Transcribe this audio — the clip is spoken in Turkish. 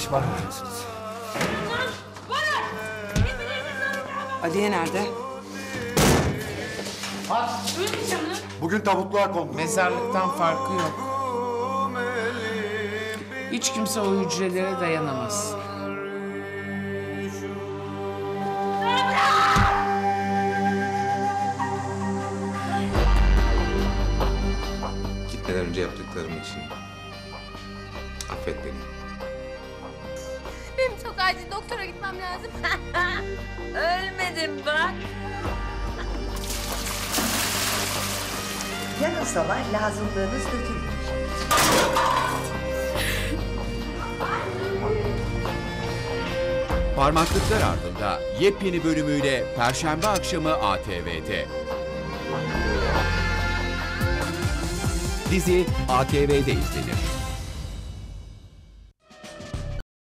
iş var mı diyorsunuz? Aliye nerede? Bugün tabutluğa kondu. Mezarlıktan farkı yok. Hiç kimse o hücrelere dayanamaz. Gitmeden önce yaptıklarım için affet beni. Benim çok acil doktora gitmem lazım. Ölmedim bak. Yarın sabah lazımlığınız dökülür. Parmaklıklar Ardında yepyeni bölümüyle Perşembe akşamı ATV'de. Dizi ATV'de izlenir.